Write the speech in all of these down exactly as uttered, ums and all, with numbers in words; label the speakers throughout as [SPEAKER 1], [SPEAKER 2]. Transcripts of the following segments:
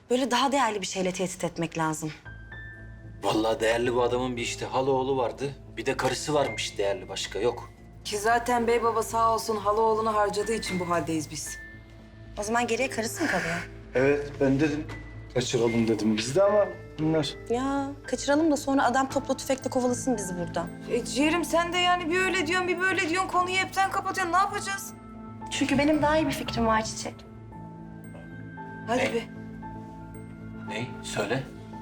[SPEAKER 1] Böyle daha değerli bir şeyle tehdit etmek lazım.
[SPEAKER 2] Vallahi değerli bu adamın bir işte halaoğlu vardı. Bir de karısı varmış değerli, başka yok.
[SPEAKER 3] Ki zaten bey baba sağ olsun Haloğlu'nu harcadığı için bu haldeyiz biz.
[SPEAKER 1] O zaman geriye karısı mı kalıyor?
[SPEAKER 4] Evet, ben dedim. Kaçıralım dedim biz de ama bunlar...
[SPEAKER 1] Ya kaçıralım da sonra adam topla tüfekle kovalasın bizi buradan.
[SPEAKER 3] E ciğerim sen de yani bir öyle diyorsun bir böyle diyorsun konuyu hepten kapatıyorsun. Ne yapacağız?
[SPEAKER 1] Çünkü benim daha iyi bir fikrim var Çiçek.
[SPEAKER 3] Hadi
[SPEAKER 2] Ne?
[SPEAKER 3] be.
[SPEAKER 2] Ney? Söyle.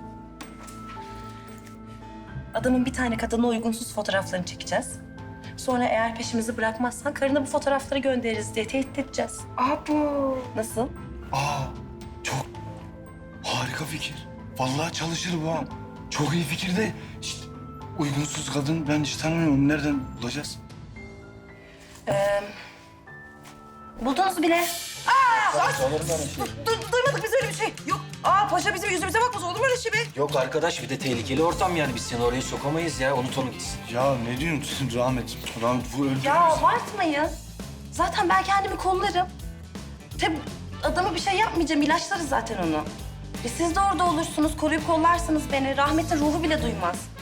[SPEAKER 1] Adamın bir tane kadına uygunsuz fotoğraflarını çekeceğiz. Sonra eğer peşimizi bırakmazsan karına bu fotoğrafları göndeririz diye tehdit edeceğiz.
[SPEAKER 3] Abo.
[SPEAKER 1] Nasıl?
[SPEAKER 4] Aa, çok harika fikir. Vallahi çalışır bu ha. Çok iyi fikir de işte uygunsuz kadın ben hiç tanımıyorum. Onu nereden bulacağız?
[SPEAKER 1] Buldunuz bile.
[SPEAKER 3] Du duymadık biz öyle bir şey. Yok. Aa paşa bizim yüzümüze bakmaz olur mu öyle şey be?
[SPEAKER 2] Yok arkadaş, bir de tehlikeli ortam yani, biz seni oraya sokamayız ya. Unut onu gitsin.
[SPEAKER 4] Ya ne diyorsun Rahmet? Rahmet bu öldürür
[SPEAKER 1] Ya
[SPEAKER 4] bizi.
[SPEAKER 1] abartmayın. Zaten ben kendimi kollarım. Tabii adama bir şey yapmayacağım. İlaçlarız zaten onu. E siz de orada olursunuz, koruyup kollarsınız beni. Rahmet'in ruhu bile duymaz.